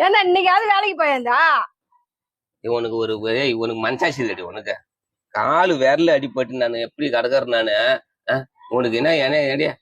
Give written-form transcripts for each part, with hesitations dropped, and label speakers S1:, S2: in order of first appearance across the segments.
S1: ஏன்னா இன்னைக்காவது வேலைக்கு போயிருந்தா
S2: உனக்கு உனக்கு மனசாட்சி இல்லடி உனக்கு காலு விரல அடிபட்டு நான் எப்படி கடக்கறேன் நானு உனக்கு என்ன ஏடியா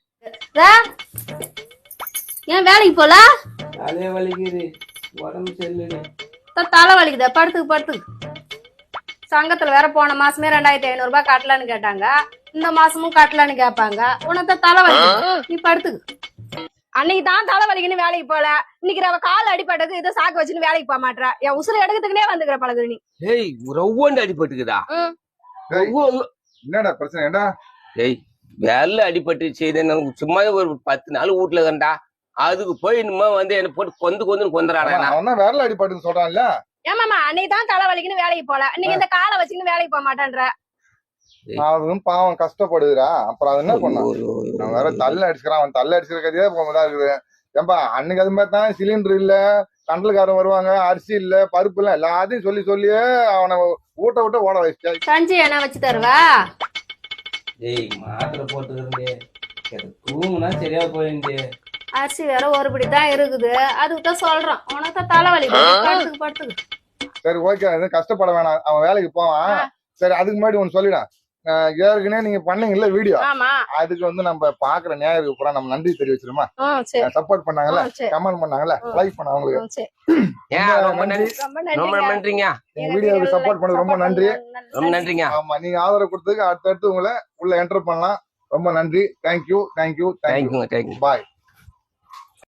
S3: ஏன் வேலைக்கு போல
S2: தலைய வலிக்குது உடம்பு செல்லுடி
S3: தலை வலிக்குதா படுத்துக்கு சங்கத்துல வேற போன மாசமே 2500 ரூபாய் கட்டலான்னு கேட்டாங்க இந்த மாசமும் கட்டலான்னு கேட்பாங்க உனக்கு தலை வலிக்குது நீ படுத்துக்கு
S1: அன்னைக்கு தான் தலை வலிக்குன்னு வேலைக்கு போல இன்னைக்கு அவ கால் அடிபட்டது இதை சாக்கு வச்சுன்னு வேலைக்கு போக மாட்டா என் உசுறு எடுக்கிறதுக்குனே வந்துக்கிற பழகுது நீ
S2: ஏய் ரவ்வோண்டு அடிபட்டுக்குதா
S4: என்னடா பிரச்சனை ஏண்டா
S2: ஏய் விரல அடிபட்டு செய்த சும்மா ஒரு 10 நாள் வீட்டுல கண்டா அதுக்கு போய் இன்னுமா வந்து என்ன போட்டு கொந்துறாடா
S4: அவன் தான் விரல அடிபட்டுன்னு சொல்றான்ல
S1: ஏமாமா அன்னைக்கு தான் தலை வலிக்குன்னு வேலைக்கு போல இன்னைக்கு இந்த காலை வச்சுன்னு வேலைக்கு போக மாட்டேன்ற
S4: அதுவும் பாவம் கஷ்டப்படுதுடா அப்புறம் அது என்ன பண்ணான் அவன் வேற தள்ள அடிச்சுக்கிறான் அவன் தள்ள அடிச்சுக்கிற கதையே இதா இருக்குது ஏன்பா அன்னைக்கு அது மாதிரி தான் சிலிண்டர் இல்ல கண்டல்காரன் வருவாங்க அரிசி இல்ல பருப்பு இல்ல எல்லாத்தையும் சொல்லியே அவனை ஊட்ட ஓட வச்சு
S3: கஞ்சி என்ன வச்சு தருவா
S2: ஏய் மாத்திரை போட்டுக்கிறே தூங்குனா சரியா போயிருந்து
S3: அரிசி வேற ஒருபடி தான் இருக்குது அதுக்கு தான் சொல்றான் உனக்கு தான் தலை வலிக்குது படுத்துக்கு
S4: சரி ஓகே எதுவும் கஷ்டப்பட வேணாம் அவன் வேலைக்கு போவான் சரி அதுக்கு முன்னாடி ஒண்ணு சொல்லிடான் ஏற்கனவே நீங்க பண்ணீங்கல்ல வீடியோ அதுக்கு வந்து நம்ம பாக்குற நேயருக்கு பூரா நம்ம நன்றி தெரிவிச்சிருமா சப்போர்ட் பண்ணாங்கல்ல கமெண்ட் பண்ணாங்கல்ல லைக் பண்ண அவங்களுக்கு
S2: ரொம்ப நன்றிங்க
S4: வீடியோவுக்கு சப்போர்ட் பண்ணது ரொம்ப நன்றி
S2: ரொம்ப நன்றிங்க
S4: ஆமா நீங்க ஆதரவு கொடுத்ததுக்கு அடுத்தடுத்து உங்களை உள்ள என்டர் பண்ணலாம் ரொம்ப நன்றி தேங்க்யூ
S2: தேங்க்யூ
S4: பாய்